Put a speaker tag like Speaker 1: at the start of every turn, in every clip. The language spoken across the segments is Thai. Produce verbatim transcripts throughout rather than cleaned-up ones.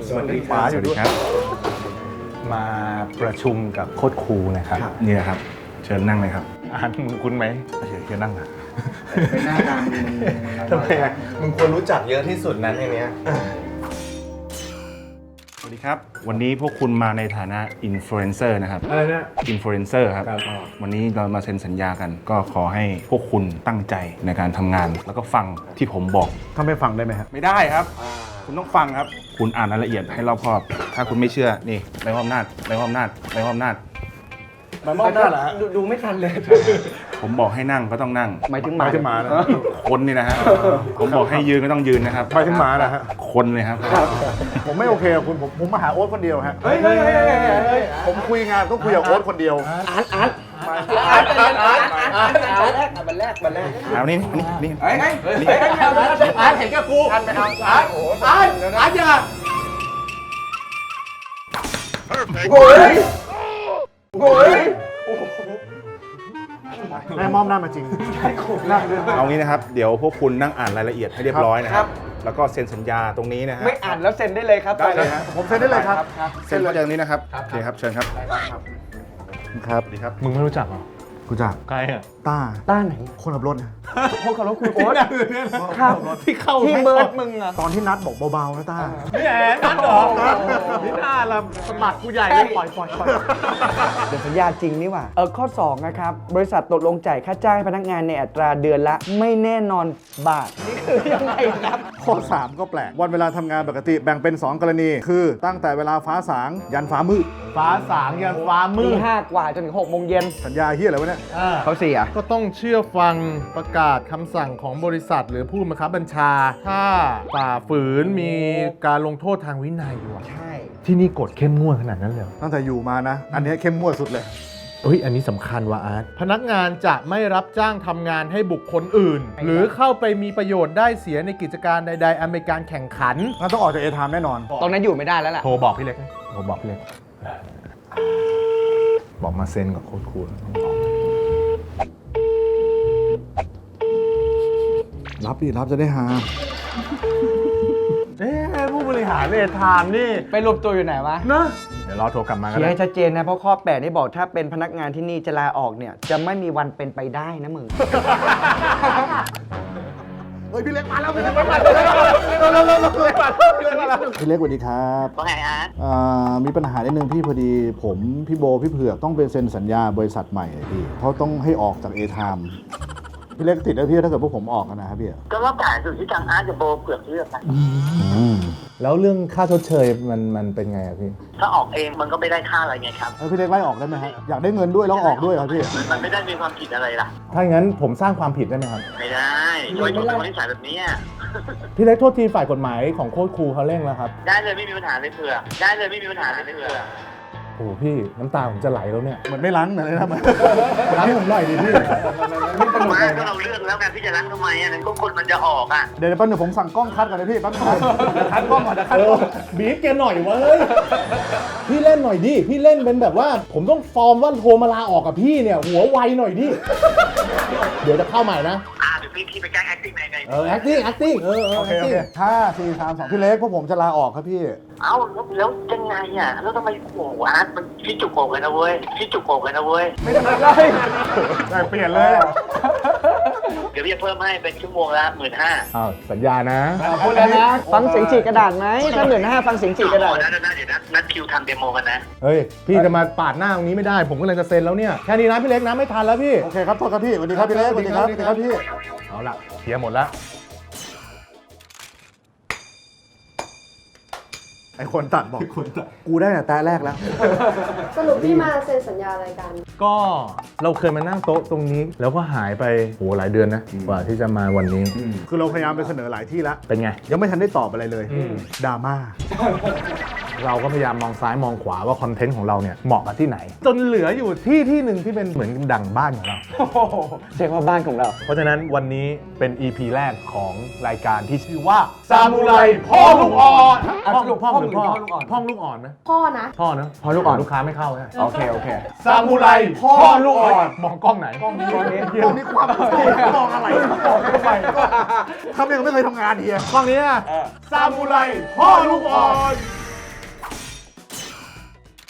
Speaker 1: สวัสดีครับสวัสดีครับมาประชุมกับโค้ชครูนะครับนี่แหละครับเชิญนั่งเลยครับอ่านมึงคุ้นไหมเชิญเชิญนั่งนะ
Speaker 2: ไปหน้าตามมึง
Speaker 1: ทำไมอ่ะมึงควรรู้จักเยอะที่สุดนั้นในนี้สวัสดีครับวันนี้พวกคุณมาในฐานะอินฟลูเอนเซอร์นะครับอะไรนะอินฟลูเอนเซอร์ครับวันนี้เรามาเซ็นสัญญากันก็ขอให้พวกคุณตั้งใจในการทำงานแล้วก็ฟังที่ผมบอก
Speaker 2: ถ้าไม่ฟังได้ไหมครับ
Speaker 1: ไม่ได้ครับคุณต้องฟังครับคุณอ่านรายละเอียดให้รอบคอบ ถ้าคุณไม่เชื่อนี่ใบมอบอำนาจใบมอบอำนาจใบมอบอำนาจ
Speaker 2: ใบมอบอำนาจเหรอดูไม่ทันเลย
Speaker 1: ผมบอกให้นั่งก็ต้องนั่ง
Speaker 2: หมายถึงหมา
Speaker 1: ถึงหมาคนนี่นะฮะผมบอกให้ยืนก็ต้องยืนนะครับ
Speaker 2: หมายถึงหมานะฮะ
Speaker 1: คนเลยครับ
Speaker 2: ผมไม่โอเคกับคุณผมผมมาหาโอ๊ตคนเดียวฮะเฮ้ยผมคุยงานต้องคุยกับโอ๊ตคนเดียวอาร์ตอาร์ตอาร์ตอาร์ตอาร์ตอาร์ตอาร์ตบันแรกบันแรก
Speaker 1: เอานี่นี่นี่
Speaker 2: เฮ้ยเฮ้ยอาร์ตเห็นกับกูอาร์ตอาร์ตอาร์ตอาร์ตอย่าโอ้ยโอ้ยแม่มอมหน้ามาจริง
Speaker 1: เอางี้นะครับเดี๋ยวพวกคุณนั่งอ่านรายละเอียดให้เรียบร้อยนะครับแล้วก็เซ็นสัญญาตรงนี้นะฮะ
Speaker 3: ไม่อ่านแล้วเซ็นได้เลยครับ
Speaker 1: ได้เลยครับ
Speaker 2: ผมเซ็นได้เลยครับ
Speaker 1: เซ็นมาจากนี้นะครับโอเคครับเชิญครับ
Speaker 2: ครับ
Speaker 1: ดีครับ
Speaker 4: มึงไม่รู้จักเหรอ
Speaker 2: กูจัก
Speaker 4: ใครอ่ะ
Speaker 2: ต้า
Speaker 3: ต้าไหน
Speaker 2: คนขับรถนะ
Speaker 3: คนขับรถคุณโอ๊ตครับ
Speaker 4: ที่เข้า
Speaker 3: ที่เบิร์ดมึงอะ
Speaker 2: ตอนที่นัดบอกเบาๆนะต้า
Speaker 4: นี่แอนนัดเหรอนี่น่าละสมัครกูใหญ่เลยปล่อยปล่อยปล่อย
Speaker 3: เดี๋ยวสัญญาจริงนี่หว่าเออข้อสองนะครับบริษัทตกลงจ่ายค่าจ้างพนักงานในอัตราเดือนละไม่แน่นอนบาทนี่คือยังไงครับ
Speaker 2: ข้อสามก็แปลกวันเวลาทำงานปกติแบ่งเป็นสองกรณีคือตั้งแต่เวลาฟ้าสางยันฟ้ามืด
Speaker 4: ฟ้าสางยันฟ้ามืด
Speaker 3: ตีห้ากว่าจนถึงหกโมงเย็น
Speaker 2: สัญญาเฮียอะไรวะเนี่ย
Speaker 3: เขาเสีย
Speaker 4: ก็ต้องเชื่อฟังประกาศคำสั่งของบริษัทหรือผู้บังคับบัญชาถ้าฝ่าฝืนมีการลงโทษทางวินัยด้วย
Speaker 3: ใช่
Speaker 4: ที่นี่กฎเข้มงวดขนาดนั้นเลย
Speaker 2: ตั้งแต่อยู่มานะอันนี้เข้มงวดสุดเลย
Speaker 4: เฮ้ยอันนี้สำคัญว่ะอาร์ตพนักงานจะไม่รับจ้างทำงานให้บุคคลอื่นหรือเข้าไปมีประโยชน์ได้เสียในกิจการใดๆอันเป็นการแข่งขัน
Speaker 2: งั้นต้องออกจากเอทามแน่นอน
Speaker 3: ตรงนั้นอยู่ไม่ได้แล้วแหละ
Speaker 4: โทรบอกพี่เล็กโทรบอกพี่เล็กบอกมาเซ็นกับโค้ชครู
Speaker 2: รับดิรับจะได้หา
Speaker 4: เอ๊ะผู้บริหารเอทามนี่
Speaker 3: ไปรวมตัวอยู่ไหนวะ
Speaker 4: นะเดี๋ยวรอโทรกลับมากัน
Speaker 3: เคลียร์ให้ชัดเจนนะเพราะข้อแปดนี่บอกถ้าเป็นพนักงานที่นี่จะลาออกเนี่ยจะไม่มีวันเป็นไปได้นะมึง
Speaker 2: เฮ้ยพี่เล็กมาแล้วพี่เล็กมาแล้วพี่เล็กสวัสดีครับ
Speaker 5: ว่าไงอาร์ต
Speaker 2: มีปัญหานิดนึงพี่พอดีผมพี่โบพี่เผือกต้องไปเซ็นสัญญาบริษัทใหม่พี่เขาต้องให้ออกจากเอทามพี่เล็กติดแล้วพี่ถ้าเกิดพวกผมออกกันนะครับพี่
Speaker 5: ก็ว่าผ่านสุดที่ทางอาร์ตกับโบเผือกเลือกนะ
Speaker 4: แล้วเรื่องค่าชดเชยมันมันเป็นไงอะพี่
Speaker 5: ถ้าออกเองมันก็ไม่ได้ค่าอะไรไงครับ
Speaker 2: พี่เล็กไล่ออกได้ไหมฮะอยากได้เงินด้วยแล้วออกด้วยครับพี่
Speaker 5: มันไม่ได้มีความผิดอะไรล่ะ
Speaker 4: ถ้าอย่างนั้นผมสร้างความผิดได้ไหมครับ
Speaker 5: ไม่ได้โดยคนที่สายแบบนี้
Speaker 4: พี่เล็กโทษทีฝ่ายกฎหมายของโค้ชครูเขาเร่งแล้วครับ
Speaker 5: ได้เลยไม่มีปัญหาเลยเผือกได้เลยไม่มีปัญหาเลยเผือก
Speaker 4: โอ้พี่น้ำตาผมจะไหลแล้วเนี่ย
Speaker 2: เหมือนไม่ล้างเลยนะมัน
Speaker 4: ล้างผมหน่อยดิพี่
Speaker 5: มาก็เราเลือกแล้วกันพี่จะล้างทำไมอ่ะนั่นก็คนมันจะออกอ่ะ
Speaker 2: เดี๋ยวแป๊บนึงผมสั่งกล้องคัดก่อนนะพี่แป๊บนึงคัดกล้องก่อนนะคัดกล้อง
Speaker 4: บีบแกหน่อยวะเฮ้ยพี่เล่นหน่อยดิพี่เล่นเป็นแบบว่าผมต้องฟอร์มว่าโทรมาลาออกกับพี่เนี่ยหัวไวหน่อยดิเดี๋ยวจะเข้าใหม่นะ
Speaker 5: อ่าเดี๋ยวพี่พี่ไปแก้ acting ในใน
Speaker 4: เออ acting acting เออ
Speaker 2: โอเคโอเคห้าสี่สามสองพี่เล็กพวกผมจะลาออกครับพี่
Speaker 5: เอ้าแล้วยังไงอ่ะแล้วทำไมโอ้โหอาร์ตมันพี่จุกโกกันนะเว้ยพี่จุกโกกันนะเว้ย
Speaker 2: ไม่ได้เลยได้เปลี่ยนเลย
Speaker 5: เดี๋ยวพี่จะเพิ่มให้เป็นชั่วโมงละหมื่นห้า
Speaker 4: อ้าวสัญญานะ
Speaker 3: พูดแล้วนะฟังเสียงฉีกกระดาษไหมถ้าหมื่นห้าฟังเสียงฉีกกระดาษ
Speaker 5: นัดนัดเดี๋ยวนัดนัดคิวทำเดโมกันนะ
Speaker 4: เฮ้ยพี่จะมาปาดหน้าตรงนี้ไม่ได้ผมก็เลยจะเซ็นแล้วเนี่ยแค่นี้นะพี่เล็กนะไม่ทันแล้วพี่
Speaker 2: โอเคครับโทษครับพี่สวัสดีครับพี่เล็กสวัสดีครับสวัสดีครับพี่
Speaker 4: เอาละเคลียร์หมดแล้ว
Speaker 2: ไอคนตัดบอกคนตัดกูได้แต่แต่แรกแล้ว
Speaker 6: สรุปที่มาเซ็นสัญญาอะไรกัน
Speaker 4: ก็เราเคยมานั่งโต๊ะตรงนี้แล้วก็หายไปโหหลายเดือนนะกว่าที่จะมาวันนี้
Speaker 2: คือเราพยายามไปเสนอหลายที่แล้ว
Speaker 4: เป็นไง
Speaker 2: ยังไม่ทันได้ตอบอะไรเลยดราม่า
Speaker 4: เราก็พยายามมองซ้ายมองขวาว่าคอนเทนต์ของเราเนี่ยเหมาะกับที่ไหนจนเหลืออยู่ที่ที่หนึ่งที่เป็นเหมือนดั่งบ้านของเรา
Speaker 3: เรียกว่าบ้านของเรา
Speaker 4: เพราะฉะนั้นวันนี้เป็น อี พี แรกของรายการที่ชื่อว่าซามูไรพ่อลูกอ่อนพ่อลูกพ่อหรือพ่อพ่อลูกอ่อนไหม
Speaker 6: พ่อนะ
Speaker 4: พ่อเนอะ
Speaker 3: พ่อลูกอ่อน
Speaker 4: ลูกค้าไม่เข้าใช่
Speaker 3: โอเคโอเค
Speaker 4: ซามูไรพ่อลูกอ่อนมองกล้องไหน
Speaker 2: กล้องนี้กล้องนี้ความมองอะไรมองทำไมทำยังไม่เคยทำงานเฮีย
Speaker 4: กล้องนี้ซามูไรพ่อลูกอ่อน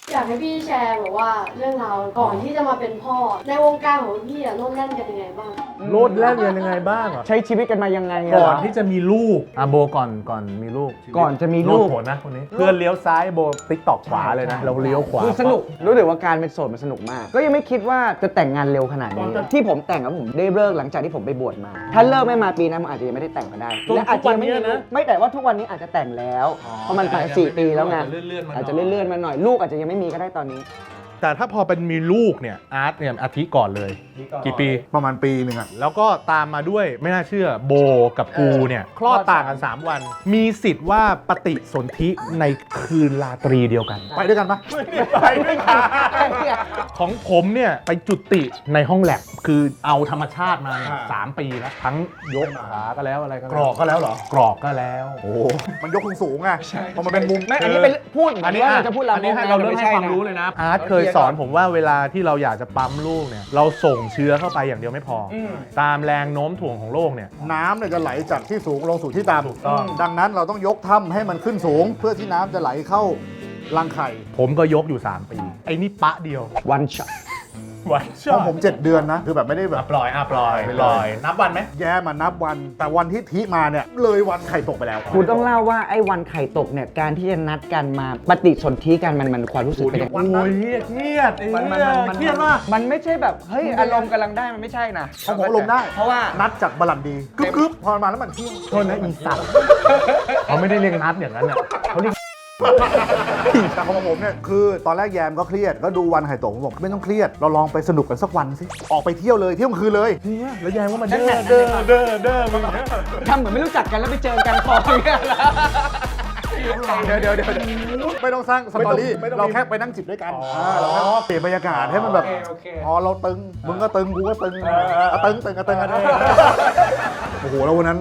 Speaker 6: อยากให้พี่แชร์แบบว่าเรื่องราวก่อนที่จะมาเป็นพ่อ ในวงการของพี่อะโน่นนั่นกันยังไงบ้าง
Speaker 4: โลดแล่นกันยังไงบ้างอ่ะ
Speaker 3: ใช้ชีวิตกันมายังไงะ
Speaker 4: ก่อนที่จะมีลูกอ่ะโบก่อนก่อนมีลูก
Speaker 3: ก่อนจะมี
Speaker 4: ลู
Speaker 3: ลู
Speaker 4: ก
Speaker 3: ก
Speaker 4: ผลนะคนนี้เพื่อนเลี้ยวซ้ายโบติ๊กตอกขวาเลยนะ เราเลี้ยวขวา
Speaker 3: คือสนุกรู้สึกว่าการเป็นโสดมันสนุกมาก ก็ยังไม่คิดว่าจะแต่งงานเร็วขนาดนี้ ที่ผมแต่งกับผมได้เลิกหลังจากที่ผมไปบวชมา ถ้าเลิกไม่มาปีนั้นผมอาจจะยังไม่ได้แต่งก็ได้และอาจจะยังไม่มีลูกไม่แต่ว่าทุกวันนี้อาจจะแต่งแล้วเพราะมันผ่านสี่ปีแล้วไงอาจจะเลื่อนๆมาหน่อยลูกอาจจะยังไม่มีก็ได้ตอนนี้
Speaker 4: แต่ถ้าพอเป็นมีลูกเนี่ยอาร์ตเนี่ยอาทิก่อนเลย กี่ปี
Speaker 2: ประมาณปีหนึ่งอะ
Speaker 4: แล้วก็ตามมาด้วยไม่น่าเชื่อโบกับกูเนี่ยคลอดต่างกัน สาม วัน มีสิทธิ์ว่าปฏิสนธิในคืนราตรีเดียวกัน
Speaker 2: ไปด้วยกันปะ
Speaker 4: ไปด้วยกันของผมเนี่ยไปจุติในห้องแลบคือเอาธรรมชาติมาเนี่ยสามปีแล้วทั้งยกขาก็แล้วอะไรก็แล้ว
Speaker 2: กรอกก็แล้วเหรอ
Speaker 4: กรอกก็แล้ว
Speaker 2: โอ้มันยกสูงๆไงพอมันเป็นมุม
Speaker 3: ไม่อันนี้เป็นพูด
Speaker 4: อันนี้
Speaker 3: ว่าเราจะพูดลามก
Speaker 4: อันนี้ให้เราเริ่มให้ความรู้เลยนะอาร์ตเคยสอนผมว่าเวลาที่เราอยากจะปั๊มลูกเนี่ยเราส่งเชื้อเข้าไปอย่างเดียวไม่พออตามแรงโน้มถ่วงของโลกเนี่ย
Speaker 2: น้ำเนี่ยจะไหลจากที่สูงลงสู่ที่ต่ำ
Speaker 4: ถูกต้อง
Speaker 2: ดังนั้นเราต้องยกถ้ำให้มันขึ้นสูง เพื่อที่น้ำจะไหลเข้ารังไข่
Speaker 4: ผมก็ยกอยู่ สาม ปี ไอ้นี่ปะเดียว
Speaker 3: วันช็อต
Speaker 4: วัน
Speaker 2: ของผมเจ็ดเดือนนะ คือแบบไม่ได้แบบ
Speaker 4: ปล่อยอ่ะปล่อยปล่อย นับวันไหม
Speaker 2: แย่มานับวัน แต่วันที่ทิมาเนี่ยเลยวันไข่ตกไปแล้ว
Speaker 3: คุณต้องเล่าว่าไอ้วันไข่ตกเนี่ยการที่จะนัดกันมาปฏิสนธิกันมันมันความรู้สึกเป็นยังไง
Speaker 2: วันนั้น
Speaker 4: โอ้ยเครียดไอ้
Speaker 3: มันมัน
Speaker 4: เหี้ย
Speaker 3: มัน
Speaker 4: เครียดมาก
Speaker 3: มันไม่ใช่แบบเฮ้ยอารมณ์กำลังได้มันไม่ใช่นะ
Speaker 2: ของผมลงได้
Speaker 3: เพราะว่า
Speaker 2: นัดจากบาลันดีกึ๊บกึ๊บพอมาแล้วมันเที่ยง
Speaker 4: โทษนะอีสัตว์เขาไม่ได้เรียกนัดอย่างนั้นเนี่ยเขาเรียก
Speaker 2: แต่ของผมเนี่ยคือตอนแรกแยมก็เครียดก็ดูวันไข่ตกผมบอกไม่ต้องเครียดเราลองไปสนุกกันสักวันสิออกไปเที่ยวเลยเที่ยวกลางคืนเลย
Speaker 4: เนี่ยแล้วยายว่ามัน
Speaker 3: นั่
Speaker 4: เด้
Speaker 3: น
Speaker 4: อ
Speaker 3: แหละ
Speaker 4: เด้อเด้อเด้อมึงเนี่ย
Speaker 3: ทำเหมือนไม่รู้จักกันแล้วไปเจอกันคออย่างเงี้ยแล้ว
Speaker 2: เดี๋ยวเดี๋ยวเดี๋ยวไม่ต้องสร้างสตอรี่เราแค่ไปนั่งจิบด้วยกันาเราแค่เปลี่ยนบรรยากาศให้มันแบบพอเราตึงมึงก็ตึงกูก็ตึงอ่ะตึงตึงอ่ะตึงอ่ะโอ้โหแล้ววันนั้น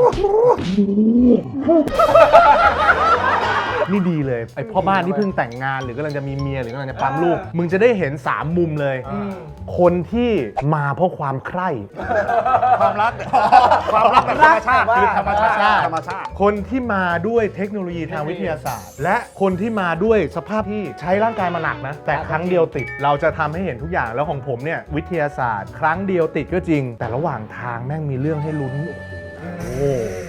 Speaker 4: นี่ดีเลยไอพ่อบ้านที่เพิ่งแต่งงานหรือกำลังจะมีเมียหรือกำลังจะปั๊มลูก มึงจะได้เห็นสามมุมเลย คนที่มาเพราะความใคร่
Speaker 2: ความรักความรักแบบธรรมชาติคือธรรมชาติธรรมชาติ
Speaker 4: คนที่มาด้วยเทคโนโลยีทางวิทยาศาสตร์ และคนที่มาด้วยสภาพที่ใช้ร่างกายมาหนักนะ แต่ครั้งเดียวติดเราจะทำให้เห็นทุกอย่างแล้วของผมเนี่ยวิทยาศาสตร์ ครั้งเดียวติดก็จริง แต่ระหว่างทางแม่งมีเรื่องให้ลุ้นโอ้โห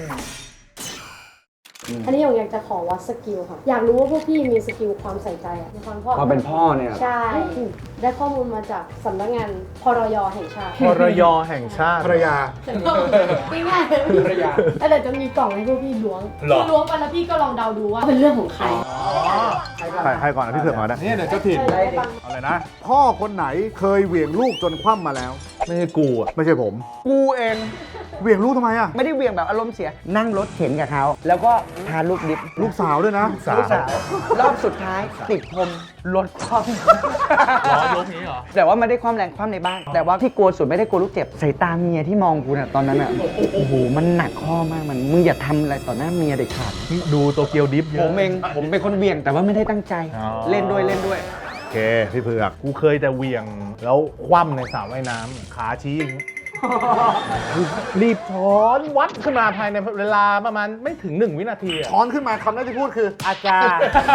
Speaker 6: อันนี้อยากจะขอวัดสกิลค่ะ อยากรู้ว่าพวกพี่มีสกิลความใส่ใจอะในความพ่อ
Speaker 3: พอเป็นพ่อเนี่ย
Speaker 6: ใช่ ได้ข้อมูลมาจากสำนักงานพรยแห่งชาติ
Speaker 4: พรยแห่งชาติ
Speaker 2: ภรรยา
Speaker 6: ง่ายๆภรรยาแต่จะมีกล่องให้พวกพี่ล้วง
Speaker 4: หรอ
Speaker 6: พี่ล้วงไปแล้วพี่ก็ลองเดาดูว่าเป็นเรื่องของใคร
Speaker 2: ใครใครก่อนนะพี่เผือกก่อนนะ
Speaker 4: เนี่ยเดี๋ยวเจ้าถิ่น
Speaker 6: ได้ฟัง
Speaker 2: อะไรนะ พ่อคนไหนเคยเหวี่ยงลูกจนคว่ำมาแล้ว
Speaker 4: ไม่ใช่กูอ่ะ
Speaker 2: ไม่ใช่ผม
Speaker 3: กูเอง
Speaker 2: เหวี่ยงลูกทำไมอ่ะ
Speaker 3: ไม่ได้เหวี่ยงแบบอารมณ์เสีย นั่งรถเข็นกับเขาแล้วก็ทานลูกดิบ
Speaker 2: ลูกสาวด้วยนะ
Speaker 4: สา
Speaker 3: ลูกสาวรอบสุดท้ายติดพรมรถคว่ำ
Speaker 4: ล้อยกนี้เหรอ
Speaker 3: แต่ว่าไม่ได้ความแรงความในบ้าน แต่ว่าที่กลัวสุดไม่ได้กลัวลูกเจ็บสายตาเมียที่มองกูน่ะตอนนั้นอ่ะโอ้โหมันหนักข้อมากมันมึงอย่าทำอะไรต่อหน้าเมียเด็ดขาด
Speaker 4: ดูโตเกียวดิฟเย
Speaker 3: ผ
Speaker 4: อะ
Speaker 3: มเองผมเป็นคนเหวี่ยงแต่ว่าไม่ได้ตั้งใจ
Speaker 4: อ๋อ
Speaker 3: เล่นด้วยเล่นด้วย
Speaker 2: โอเค พี่เผือก
Speaker 4: กูเคยแต่เหวี่ยงแล้วคว่ำในสระว่ายน้ำขาชี้อย่างนี้ รีบช้อนวัดขึ้นมาภายในเวลาประมาณไม่ถึงหนึ่งวินาทีอะ
Speaker 2: ช้อนขึ้นมาคำแรกที่พูดคือ อาจารย์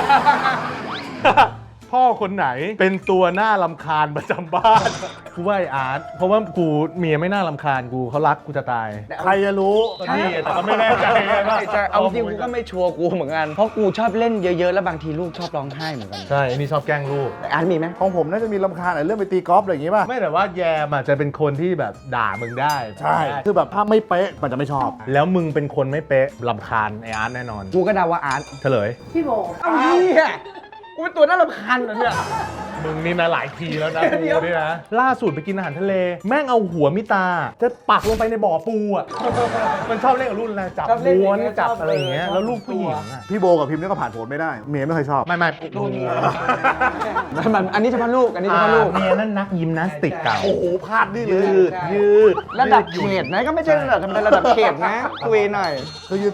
Speaker 4: พ่อคนไหนเป็นตัวหน้าลำคาญประจำบ้าน กูว่าไออาร์ตเพราะว่ากูเมียไม่น่าลำคาญกูเขารักกูจะตาย
Speaker 2: ใครจะรู้
Speaker 4: ก็นี่แต่ก็ไม่แน่ใจว่า
Speaker 3: จะเอาจริงกูก็ไม่ชัวร์กูเหมือนกันเพราะกูชอบเล่นเยอะๆแล้วบางทีลูกชอบร้องไห้เหมือนกัน
Speaker 4: ใช่อันนี่ชอบแกล้งลูก
Speaker 3: แต่อาร์ตมีไหม
Speaker 2: ของผมน่าจะมีลำคาญอะไรเรื่องไปตีกอล์ฟอะไรอย่างงี้ป่ะ
Speaker 4: ไม่แต่ว่าแยมอ่ะจะเป็นคนที่แบบด่ามึงได้
Speaker 2: ใช่ คือแบบถ้าไม่เป๊ะมันจะไม่ชอบ
Speaker 4: แล้วมึงเป็นคนไม่เป๊ะลำคาญไออาร์ตแน่นอน
Speaker 3: กูก็เดาว่าอาร์ต
Speaker 4: เฉลย
Speaker 6: พี่โบ
Speaker 3: เอ้าเนี่ยกูเป็นตัวน่ารำคาญเหรอเนี่ย
Speaker 4: มึงนี่นะหลายทีแล้วนะ
Speaker 3: เดี๋
Speaker 4: กู
Speaker 3: ยว
Speaker 4: นี่นะ ล่าสุดไปกินอาหารทะเล แม่งเอาหัวมิตา จะปักลงไปในบ่อปูอ่ะ มันชอบเล่นกับรุ่นอะไรจับม้วนจับอะไรอย่างเงี้ยแล้วลูกผู้หญิงอ่ะ
Speaker 2: พี่โบกับพิมพ์นี่ก็ผ่านโผลไม่ได้ เมียไม่เคยชอบ
Speaker 4: ไม่ไม่
Speaker 3: มันมันอันนี้เฉพาะลูกอันนี้เฉพาะลูก
Speaker 4: เมียนั่นนักยิมนาสติกเก่า
Speaker 2: โอ้โหพลาดนี่เลย
Speaker 4: ยืดยืด
Speaker 3: ระดับเขตนะก็ไม่ใช่ระดับธรรมดาระดับเขตนะคุยหน่อย
Speaker 2: คือยืนตรงเนี่ย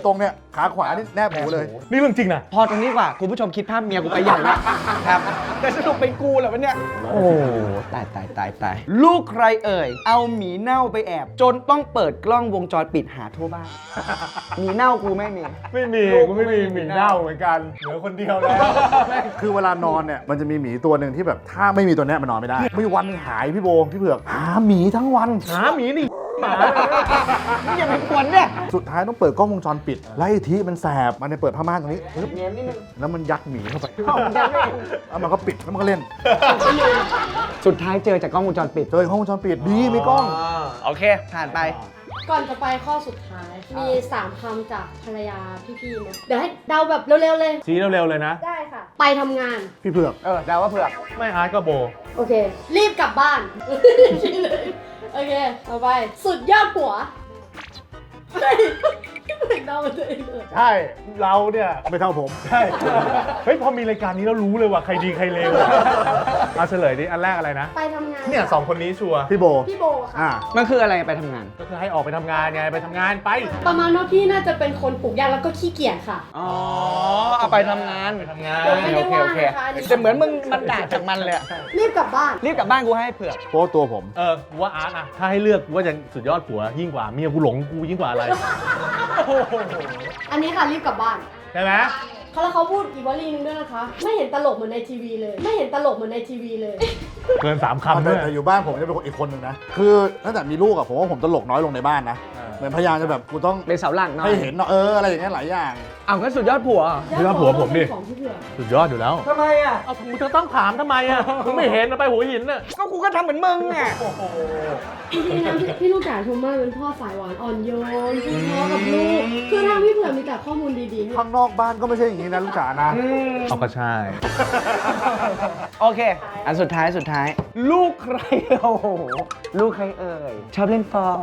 Speaker 2: ขาขวานี่แนบหูเลย
Speaker 4: นี่เรื่องจริงนะ
Speaker 3: พอตรงนี้ดีกว่าคุณผู้ชมคิดภาพเมียกูไปใหญ่แล้วครับแต่สรุปเป็นกูเหรอวะเนี่ย โอ้ตายตายตายตายลูกใครเอ่ย เอาหมีเน่าไปแอบ จนต้องเปิดกล้องวงจรปิดหาทั่วบ้านหมีเน่ากูไม่มี
Speaker 4: ไม่มีกูไม่มีหมีเน่าเหมือนกันเหลือคนเดียวแล้ว
Speaker 2: คือเวลานอนเนี่ยมันจะมีหมีตัวหนึ่งที่แบบถ้าไม่มีตัวเนี้ยมันนอนไม่ได้มีวันหนึ่งหายพี่โบพี่เผือกหาหมีทั้งวัน
Speaker 4: หาหมีนี่หมา
Speaker 3: นี่อย่าไปกวนเนี่ย
Speaker 2: สุดท้ายต้องเปิดกล้องวงจรปิดไล่ทีมันแสบมันเลยเปิดผ้าม่านตรงนี้ปึ๊บ
Speaker 3: เนียนนิดนึง
Speaker 2: แล้วมันยัดหมีเข้าไป
Speaker 3: เอาเหมือนกันไม่เอง
Speaker 2: แล้วมันก็ปิดแล้วมันก็เล่น
Speaker 3: สุดท้ายเจอจากกล้องวงจรปิด
Speaker 2: เจอกล้องวงจรปิดดีมีกล้อง
Speaker 3: โอเค ผ่านไป
Speaker 6: ก่อนจะไปข้อสุดท้าย มีสามคำจากภรรยาพี่ๆนะเดี๋ยวให้เดาแบบเร็วๆเลย
Speaker 4: ชี้เร็วๆเลยนะ
Speaker 6: ได้ค่ะ ไปทำงาน
Speaker 2: พี่เผือก
Speaker 3: เออเดาว่าเผือก
Speaker 4: ไม่อาร์ตก็โบ
Speaker 6: โอเค รีบกลับบ้าน โอเค ต่อไป สุดยอดผัวเฮ้ยเหมือนเดาตัวเองเลย
Speaker 4: ใช่ เราเนี่ย
Speaker 2: ไม่เท่าผม
Speaker 4: ใช่ เฮ้ย พอมีรายการนี้แล้วรู้เลยว่าใครดีใครเลวเอาเฉลยดิ อันแรกอะไรนะ
Speaker 6: ไปทำงาน
Speaker 4: เนี่ยสองคนนี้ชัวร์
Speaker 2: พี่โบ
Speaker 6: พี่โบค่ะ
Speaker 2: อ่า
Speaker 3: มันคืออะไรไปทำงาน
Speaker 4: ก็คือให้ออกไปทำงานไง ไปทำงานไป
Speaker 6: ประมาณว่าพี่น่าจะเป็นคนปลูกยางแล้วก็ขี้เกียจค่ะ
Speaker 3: อ๋อ เอาไปทำงาน
Speaker 4: ไปทำงาน
Speaker 6: เดี๋ยวไม่ได้
Speaker 3: โอเค
Speaker 6: ว่า
Speaker 3: โอเค
Speaker 6: นะคะอันนี้
Speaker 3: แต่เหมือนมึงมันด่าจากมันเลยอะ
Speaker 6: รีบกลับบ้าน
Speaker 3: รีบกลับบ้านกูให้เผือก
Speaker 2: โพสตัวผม
Speaker 4: เออกูว่าอาร์ตอะถ้าให้เลือกกูว่าจะสุดยอดผัวยิ่งกว่าเมียกูหลงกูยิ่งกว่าอะไร
Speaker 6: อันนี้ค่ะรีบกลับบ้าน
Speaker 4: ใช่ไหม
Speaker 6: เขาแล้วเขาพูดอีกวลีนึงด้วยนะคะ ไม่เห็นตลกเหมือนในทีวีเลย ไม่เห็นตลกเหมือนในทีวีเลย
Speaker 4: เกินสาม
Speaker 2: แต่
Speaker 4: คำด้วย
Speaker 2: แต่อยู่บ้านผมจะเป็นคนอีกคนหนึ่งนะ คือตั้งแต่มีลูกอะผมว่าผมตลกน้อยลงในบ้านนะ เหมือนพยายามจะแบบกูต้อง
Speaker 3: เป็นเสาหลักหน่อย
Speaker 2: ให้เห็นเนาะเอออะไรอย่างเงี้ยหลายอย่าง
Speaker 3: เอางั้นสุดยอดผัวเหรอ
Speaker 4: นี่ก็ผัวผมดิ
Speaker 6: ของพี่เผือก
Speaker 4: สุดยอดอยู่แล้ว
Speaker 3: ทำไมอ่ะ
Speaker 4: เอามึงจะต้องถามทำไมอะมึงไม่เห็นนะไปหัวหินน่ะ
Speaker 3: ก็กูก็ทำเหมือนมึงอ่ะ
Speaker 6: จริงๆนะพี่พี่ลูกจ๋าชมมากเป็นพ่อสายหวานอ่อนโยนคือพ่อกับลูก คือทางพี่เผือกมีแต่ข้อมูลดีๆเนี่ย
Speaker 2: ข้างนอกบ้านก็ไม่ใช่อย่างนี้นะลูกจ๋านะ
Speaker 4: เอาก็ใช่
Speaker 3: โอเค อันสุดท้ายสุดท้าย ลูกใคร โอ้โห ลูกใครเอ่ย ชอบเล่นฟอง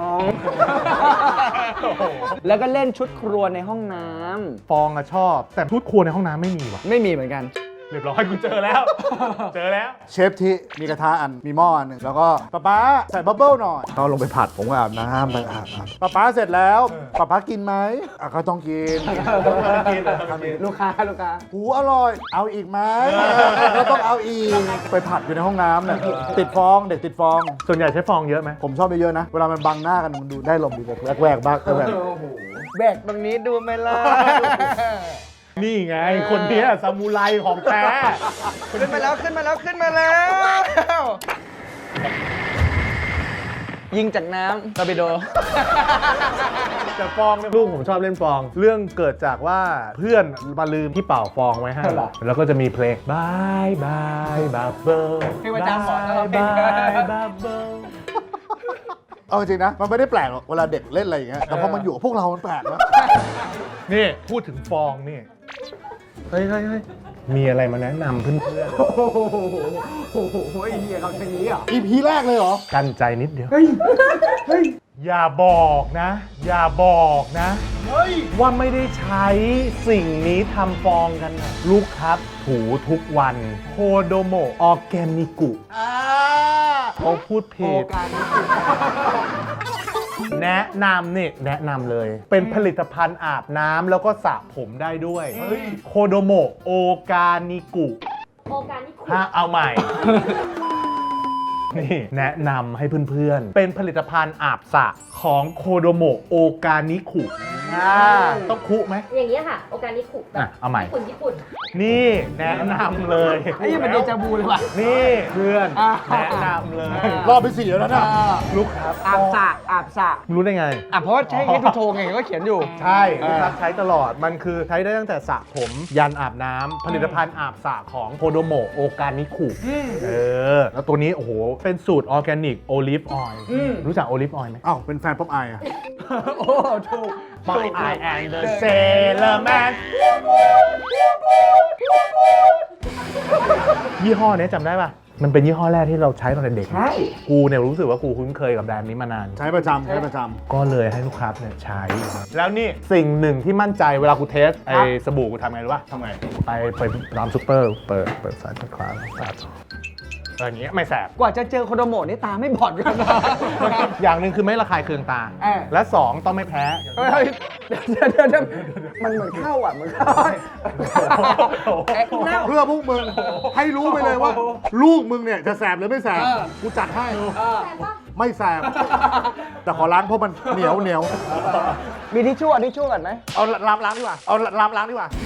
Speaker 3: แล้วก็เล่นชุดครัวในห้องน้
Speaker 4: ฟองอะชอบ แต่ชุดครัวในห้องน้ำไม่มีว่ะ
Speaker 3: ำไม่มีเหมือนกัน
Speaker 4: เรียบร้อยกูเจอแล้ว เจอแล้ว
Speaker 2: เชฟที่มีกระทะอันมีหม้ออันหนึ่งแล้วก็ป๊าป๊าใส่บับเบิ้ลหน่อยเขาลงไปผัดผมก็อาบน้ำไปอาบน้ำป๊าป๊าเสร็จแล้วป๊าป๊ากินไหมอ่ะก็ต้องกิน
Speaker 4: กินต้องกิน
Speaker 3: ลูกค้าลูกค้า
Speaker 2: หูอร่อย เอาอีกไหมก็ต้องเอาอีกไปผัดอยู่ในห้องน้ำเนี่ยติดฟองเด็กติดฟอง
Speaker 4: ส่วนใหญ่ใช้ฟองเยอะไหม
Speaker 2: ผมชอบเยอะๆนะ เวลามันบังหน้ากันมันดูได้ลมดีกว่าแวกๆบ้างก็แบบ
Speaker 3: แบกตรงนี้ดูไหมล่ะ
Speaker 4: นี่ไง คนเนี้ยซามูไรของแท้
Speaker 3: ขึ้นมาแล้วขึ้นมาแล้วขึ้นมาแล้ว ยิงจากน้ำตอร์ปิโด
Speaker 4: แต่ฟองเนี่ยลูกผมชอบเล่นฟอง เรื่องเกิดจากว่าเพื่อนมาลืมที่เป่าฟองไว้ให้
Speaker 3: เหรอ
Speaker 4: แล้วก็จะมีเพลงบายบายบับเบิ้ล
Speaker 3: เพลงประจำหมอแล้วเราเพล
Speaker 4: บาง ยบับเบิ้ล
Speaker 2: เอาจริงๆนะ มันไม่ได้แปลกหรอกเวลาเด็กเล่นอะไรอย่างเงี้ยแต่พอมันอยู่กับพวกเรา มันแปลกนะ
Speaker 4: นี่พูดถึงฟองนี่ เฮ้ยเฮ้ยเฮ้ยมีอะไรมาแนะนำเพื่อน
Speaker 3: โอ้โหไอ้เหี้ยเขาทางนี้เหรอ
Speaker 2: อีพีแรกเลยเหรอ
Speaker 4: ๆกันใจนิดเดียว อย่าบอกนะ อย่าบอกนะ ว่าไม่ได้ใช้สิ่งนี้ทำฟองกันนะลูกครับถูทุกวันโคโดโมออร์แกนิกุเขาพูดผิด แนะนำนี่แนะนำเลย เป็นผลิตภัณฑ์อาบน้ำแล้วก็สระผมได้ด้วยโคโดโมโอกานิกุ
Speaker 6: โอกาสนี่คุณ
Speaker 4: ถ้าเอาใหม่ นี่แนะนำให้เพื่อนๆ เป็นผลิตภัณฑ์อาบสระของโคโดโมโอกานิคุอ่าต้องคุไหม
Speaker 6: อย่างเงี้ยค่ะ โอกาสนี่คุณ
Speaker 4: อ่ะเอาใหม่
Speaker 6: ญี่ปุ่นญี่ปุ่น
Speaker 4: นี่แนะนำเลย
Speaker 3: ไอ้ยังเป็นเดจาวูเลยว่ะ
Speaker 4: นี่เพื่อน
Speaker 3: อ่า
Speaker 4: แนะนำเลย
Speaker 2: รอบไปสี่แล้วนะ
Speaker 4: ลูกครับ
Speaker 3: อาบสระอาบสระ
Speaker 4: รู้ได้ไง
Speaker 3: อ่ะเพราะว่าใช้ให้ทูโทไงก็เขียนอยู่
Speaker 4: ใช่ลูกครับใช้ตลอดมันคือใช้ได้ตั้งแต่สระผมยันอาบน้ำผลิตภัณฑ์อาบสระของโคโดโมโอกานิคุเออ แล้วตัวนี้ โอ้โห เป็นสูตรออร์แกนิกโอลิฟออยล์รู้จักโอลิฟออยล์ไหม
Speaker 2: อ้าวเป็นแฟนป๊อปอายอะ
Speaker 3: โอ้ถูก
Speaker 4: My I am the Sailor Man ยี่ห้อเนี้ยจำได้ป่ะ มันเป็นยี่ห้อแรกที่เราใช้ตอนเด็กๆ
Speaker 3: ใช่
Speaker 4: กูเนี่ยรู้สึกว่ากูคุ้นเคยกับแบรนด์นี้มานาน
Speaker 2: ใช้ประจำใช้ประจ
Speaker 4: ก็เลยให้ลูกค้าเนี่ยใช้ แล้วนี่สิ่งหนึ่งที่มั่นใจเวลากูเทสไอ้สบู่กูทำไงรู้ป่ะ
Speaker 2: ำทำไง
Speaker 4: ไปไปตามซุปเปอร์ เปิดเปิดสายตะขวาสาดเอออย่างเงี้ยไม่แสบ
Speaker 3: กว่าจะเจอโคโดโมะนี่ตาไม่บอดกันนะ
Speaker 4: อย่างหนึ่งคือไม่ระคายเคืองตา
Speaker 3: เออ
Speaker 4: และสองต้องไม่แพ้
Speaker 3: เฮ้ยเดี๋ยวเดี๋ยวเดี๋ยวมันเหมือนเข้าอ่ะเหมือนเข้าเอ๊ะเน่า
Speaker 2: เพื่อพวกมึงให้รู้ไปเลยว่า ลูกมึงเนี่ยจะแสบหรือไม่แสบ
Speaker 3: เออ
Speaker 2: กูจัดให้
Speaker 3: เออ
Speaker 6: แต่ว่า
Speaker 2: ไม่แสบ แต่ขอล้างเพราะมันเหนียวเหนียว
Speaker 3: มีทิชชู่อ่ะทิชชู่กันไหม
Speaker 2: เอาล้างล้างดีกว่า เอาล้างล้างดีกว่า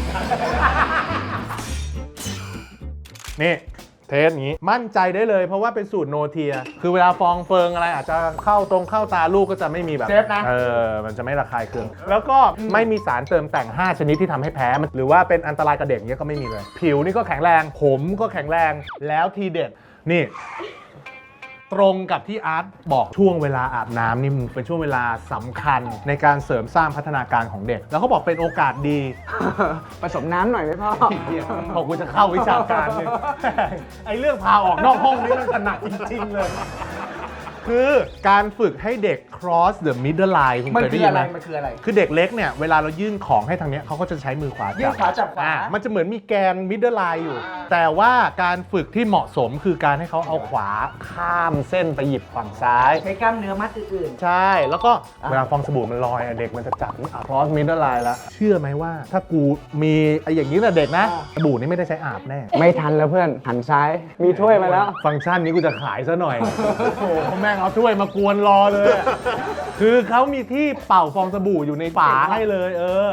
Speaker 4: นี่เทสอย่างนี้มั่นใจได้เลยเพราะว่าเป็นสูตรโนเทีย คือเวลาฟองเฟิงอะไรอาจจะเข้าตรงเข้าตาลูกก็จะไม่มีแบบ
Speaker 3: เซฟนะ
Speaker 4: เออมันจะไม่ระคายเคือง แล้วก็ไม่มีสารเติมแต่ง ห้า ชนิดที่ทำให้แพ้มันหรือว่าเป็นอันตรายกับเด็กเนี้ยก็ไม่มีเลย ผิวนี่ก็แข็งแรง ผมก็แข็งแรงแล้วทีเด็ดนี่ ตรงกับที่อาร์ตบอกช่วงเวลาอาบน้ำนี่มันเป็นช่วงเวลาสำคัญในการเสริมสร้างพัฒนาการของเด็ก แล้วเขาบอกเป็นโอกาสดี
Speaker 3: ผสมน้ำหน่อยไหมพ่อ
Speaker 4: พอกูจะเข้าวิชาการเนี่ย ไอ้เรื่องพาออกนอกห้องนี่มันถนัดจริงๆเลย คือการฝึกให้เด็ก cross the middle line คุณ
Speaker 3: มัน
Speaker 4: เคย
Speaker 3: คื
Speaker 4: ได้
Speaker 3: อ
Speaker 4: ยิ
Speaker 3: อะ
Speaker 4: น
Speaker 3: ไร
Speaker 4: ไหม
Speaker 3: มันคืออะไร
Speaker 4: คือเด็กเล็กเนี่ยเวลาเรายื่นของให้ทางเนี้ยเขาก็จะใช้มือขวาจับ
Speaker 3: ยื่นขวาจับขวา
Speaker 4: อ่ะมันจะเหมือนมีแกน middle line อยู่ แต่ว่าการฝึกที่เหมาะสมคือการให้เขาเอาขวาข้ามเส้นไปหยิบฝั่งซ้าย
Speaker 3: ใช้กล้ามเนื้อมัดอื่น
Speaker 4: ใช่ แล้วก็เวลาฟองสบู่มันลอยอ่ะเด็กมันจะจับอ่ะ cross middle line แล้ว เชื่อไหมว่าถ้ากูมีไอ้อย่างนี้แต่เด็กนะ สบู่นี่ไม่ได้ใช้อาบแน่
Speaker 3: ๆ ไม่ทันแล้วเพื่อนหันซ้าย มีถ้วยมาแล้ว
Speaker 4: ฟังก์ชันนี้กูจะขายซะหน่อย โอ้โหแม่งเอาถ้วยมากวนรอเลยอะคือเขามีที่เป่าฟองสบู่อยู่ในฝาให้เลย เออ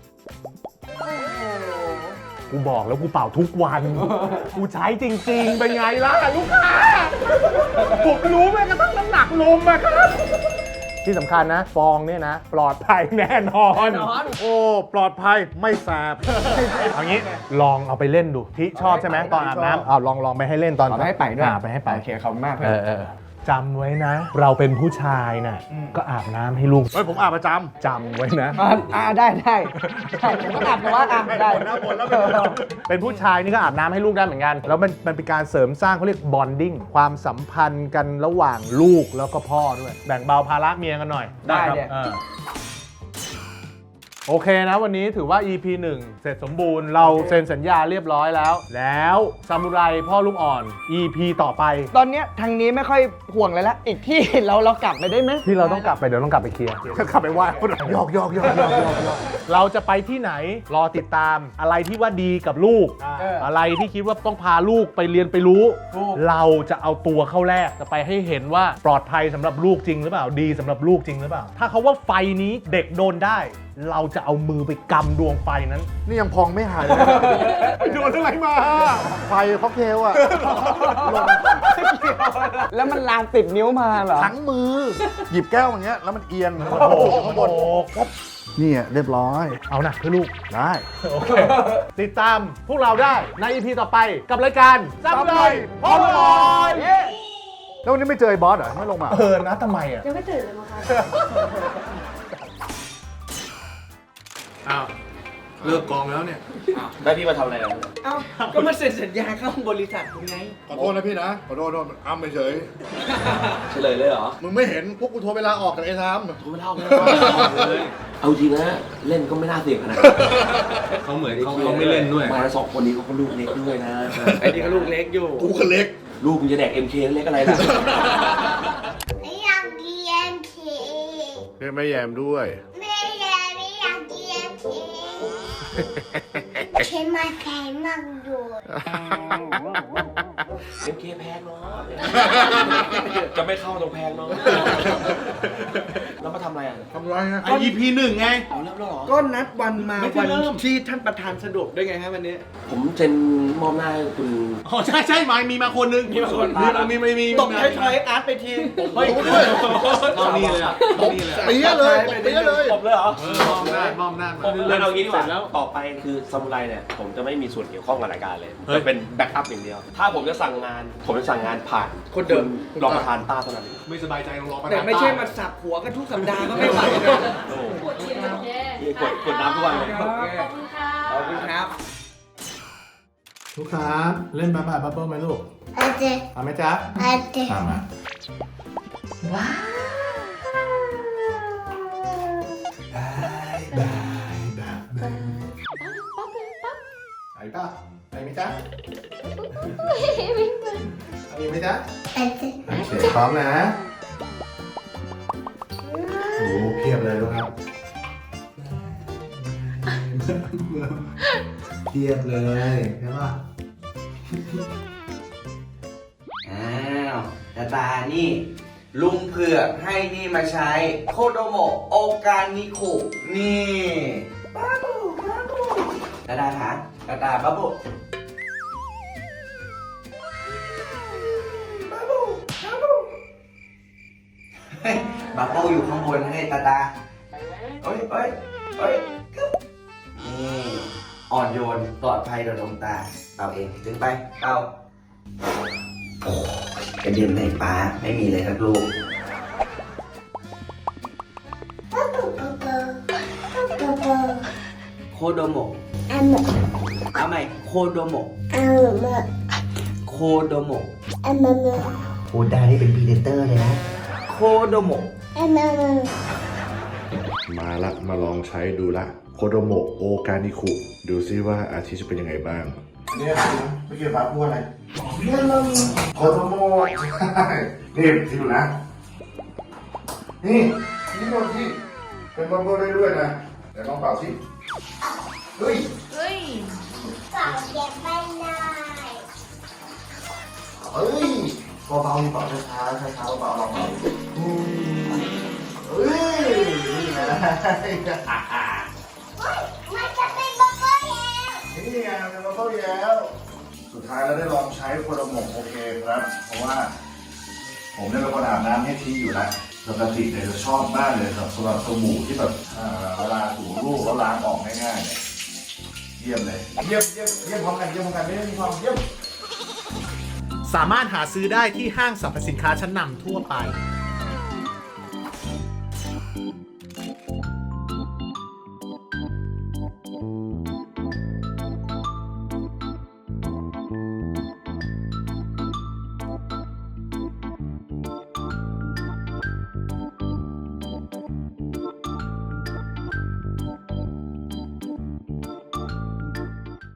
Speaker 4: กูบอกแล้วกูเป่าทุกวัน กูใช้จริงๆ เป็นไงล่ะลูกค้า ผมรู้แม้กระทั่งน้ำหนักลมอะครับ ที่สำคัญนะ ฟองเนี่ยนะ ปลอดภัยแน่นอน
Speaker 2: โอ้ ปลอดภัยไม่แสบ
Speaker 4: เอางี้ลองเอาไปเล่นดูที่ชอบใช่ไหมตอนอาบน้ำเอาลองลองไปให้เล่นตอน
Speaker 3: เอาไปให้ไปด้วย
Speaker 4: อ่าไปให้ไป
Speaker 3: โอเคขอบคุณมากเพื่
Speaker 4: เอ
Speaker 3: อน
Speaker 4: อเออจำไว้นะ เราเป็นผู้ชายน่ะก็อาบน้ำให้ลูก
Speaker 2: เฮ้ย ผมอาบประจ
Speaker 4: จำไว้นะ
Speaker 3: อ่าอ่าได้ได้ได้ผมก็อาบแต่ว่าอ่ะได้
Speaker 2: บ่นนะบ่นแล้ว
Speaker 4: เป็นผู้ชายนี่ก็อาบน้ำให้ลูกได้เหมือนกัน แล้วมันมันเป็นการเสริมสร้างเขาเรียกบอนดิ้งความสัมพันธ์กันระหว่างลูกแล้วก็พ่อด้วย แบ่งเบาภาระเมียกันหน่อย
Speaker 3: ได้
Speaker 4: ครับ
Speaker 3: เนี่ย
Speaker 4: เออโอเคนะวันนี้ถือว่า อี พี หนึ่ง เสร็จสมบูรณ์เราเซ็นสัญญาเรียบร้อยแล้ว แล้วซามูไรพ่อลูกอ่อน อี พี ต่อไป
Speaker 3: ตอนเนี้ยทางนี้ไม่ค่อยห่วงเลยละอีกที่เราเรากลับไปได้ไหม
Speaker 4: ที่เราต้องกลับไปเดี๋ยวต้องกลับไปเคลียร์
Speaker 2: ำขับไปไหว้คนหยอกหยอกหยอกหยอกหยอกหยอก
Speaker 4: เราจะไปที่ไหนรอติดตามอะไรที่ว่าดีกับลูก
Speaker 3: เออ
Speaker 4: อะไรที่คิดว่าต้องพาลูกไปเรียนไปรู้
Speaker 3: ถูก
Speaker 4: เราจะเอาตัวเข้าแรกจะไปให้เห็นว่าปลอดภัยสำหรับลูกจริงหรือเปล่าดีสำหรับลูกจริงหรือเปล่า ถ้าเขาว่าไฟนี้เด็กโดนได้ เราจะเอามือไปกำดวงไฟนั้น
Speaker 2: นี่ยังพองไม่หายเลย
Speaker 4: ไปโดนอะไรมา
Speaker 2: ไฟค็อกเทลอ่ะลง
Speaker 3: แล้วมันลามติดนิ้วมาเหรอ
Speaker 2: ทั้งมือ หยิบแก้วอย่างเงี้ย แล้วมันเอียง
Speaker 4: โอ้โห
Speaker 2: ข้างบนนี่เรียบร้อย
Speaker 4: เอานะเพื่อลูก
Speaker 2: ได้
Speaker 4: โอเค ติดตามพวกเราได้ใน อี พี ต่อไปกับรายการซับเลยพ่อลอย
Speaker 2: แล้ววันนี้ไม่เจอไอ้บอสเหรอ ไม่ลงมา
Speaker 4: เออนะทำไมอ่ะ
Speaker 6: ยังไม่ตื่นเลยมั้งคะ
Speaker 1: อ้าว เลิกกองแล้วเนี่ย
Speaker 7: ได้พี่มาทำอะไรอ่ะ
Speaker 3: เอ้าก็มาเซ็นสัญญาเข้าบริษัทคุณไง
Speaker 2: ขอโทษนะพี่นะ ขอโทษขอโทษอ้ำไปเฉย
Speaker 7: เฉลยเลยเหรอ
Speaker 2: มึงไม่เห็นพวกกูโทรเวลาออกจากไอ้ทาม
Speaker 7: ผมไม่เล่าไม่เลย เอาจริงนะ เล่นก็ไม่น่าเสี่ยงขนาด
Speaker 1: เขาเหมือนเขาเขาไม่เล่นด้วย
Speaker 7: มาสองคนนี้เขาก็ลูกเล็กด้วยนะ
Speaker 3: ไอ้นี่ก็ลูกเล็กอยู่
Speaker 2: กูก็เล็ก
Speaker 7: ลูกมึงจะแดก เอ็ม เค เล็กอะไรล่ะ
Speaker 8: ไม่อยากกินเอ็มเค
Speaker 2: เรียกแม่แยมด้วย
Speaker 8: ไม่อยากไม่อยากกินเอ็มเคเค็มมาแพงมากด้วย
Speaker 7: เอ็ม เค แพงเนาะ จะไม่เข้าตรงแพงเนาะ แล้วมาทำอะไรอ่ะ
Speaker 2: ทำไรฮะ
Speaker 1: ไอ อี พี หนึ่งไง
Speaker 7: เอาเริ่มแล้วเหรอ
Speaker 3: ก็นัดวันมา
Speaker 1: ไม่ใช่
Speaker 3: วัน
Speaker 1: เริ่ม
Speaker 3: ที่ท่านประธานสะดวกด้วยไงฮะวันนี้
Speaker 7: ผมเซ็นมอบหน้าให้คุณ
Speaker 1: อ๋อใช่ใช่มามีมาคนนึง มีมาคนมีมีมีมี
Speaker 3: ตบท้ายๆอาร์ตไปที
Speaker 1: เฮ้ยเข้านี่เลยอ่ะเข้านี่เลย
Speaker 2: เปี้ยเลยเปี้ยเลย
Speaker 7: ผมเลยเหรอ
Speaker 1: เออมอมหน้ามอมหน้ามา
Speaker 7: แล้วเอางี้ดีกว่าต่อไปคือซามูไรเนี่ย ผมจะไม่มีส่วนเกี่ยวข้องกับรายการเลย
Speaker 1: เฮ้ย
Speaker 7: จะเป็นแบ็กอัพอย่างเดียว ถ้าผมจะสั่งงาน ผมจะสั่งงานผ่าน
Speaker 3: คนเดิม
Speaker 7: รองประธานต้าเท่านั้น
Speaker 1: ไม่สบายใจลองรอประธาน
Speaker 3: แต่ไม่ใช่มาสับหัวกันทุกสัปดาห์ก็ไม่ไหวนะ
Speaker 7: โอ้โห
Speaker 6: ปวดเสียงโอเค
Speaker 7: นี่กดกดน้ำทุกวันเลย
Speaker 6: ขอบคุณค่ะ
Speaker 3: ขอบคุณครับ
Speaker 4: ลูกค้าเล่นบาบาบับเบิ้ลไหมลูก
Speaker 8: อาจจะ
Speaker 4: ทำไหมจ๊ะ
Speaker 8: อาจจะ
Speaker 4: ทำมา
Speaker 8: ว้าว
Speaker 4: บายบายแบบนึง
Speaker 6: ปั๊บเลยปั๊บ
Speaker 4: ไปป่ะไปไหมจ๊ะ
Speaker 8: ไม่เหมือน
Speaker 4: ไปมจ๊ะ
Speaker 8: เป็น
Speaker 4: โอเคพร้อมนะโอ้เพียบเลยลูกครับเพียบเลยใช่ป่ะ
Speaker 3: อ้าวตาตานี่ ลุงเผือกให้นี่มาใช้โคโดโมะโอกานิคุนี่บ้าบูบ้าบูตาตาคะตาตาบ้าบูบ้าบูบ้าบูเฮ้ยบ้าบูอยู่ข้างบนให้ตาตาเอ้ยเอ้ยเอ้ยนี่อ่อนโยนปลอดภัยโดยดวงตาเอาเองถึงไปเอากระเด็นในป้าไม่มีเลยครับลูก
Speaker 8: ปุ๊บปุ๊บปุ๊บปุ๊บปุ๊บ
Speaker 3: โคโดโมะ
Speaker 8: อันหมด
Speaker 3: เอาใหม่โคโดโมะ
Speaker 8: อันหมด
Speaker 3: โคโดโมะ
Speaker 8: อันหมด
Speaker 3: โคดานี่เป็นพรีเดเตอร์เลยนะโคโดโมะ
Speaker 8: อันหมด
Speaker 2: มาละมาลองใช้ดูละโคโดโมะโอกานิคุดูซิว่าอาทิตย์จะเป็นยังไงบ้างเนี่ยไม่เกี่ยวกับพูดอะไรโคโดโมะใช่นี่ที่ดูนะ นี่นี่โดนที่เป็นบัมเบิลได้ด้วยนะเดี๋ยวลองเป่าสิเฮ้ย
Speaker 8: เปล่าเก็บไม่ได้
Speaker 2: เฮ้ยเบาๆเป่าช้าๆช้าๆเบาๆลองเป่าอืมเฮ้ยนี่ไง
Speaker 8: มันจะเป็นบับเบิ้ลแล้ว
Speaker 2: นี่ไงเป็นบัมเบิลแล้ว สุดท้ายเราได้ลองใช้โคโดโมะโอเคครับ เพราะว่าผมเนี่ยเป็นคนอาบน้ำให้ทีอยู่แล้วปกติเนี่ยจะชอบมากเลยสำหรับสบู่ที่แบบอ่าเวลาถูรูปแล้วล้างออกง่ายๆเนี่ยเยี่ยมเลยเยี่ยมเยี่ยมเยี่ยมพร้อมกันเยี่ยมพร้อมกันไม่ได้มีความเยี่ยม
Speaker 4: สามารถหาซื้อได้ที่ห้างสรรพสินค้าชั้นนำทั่วไป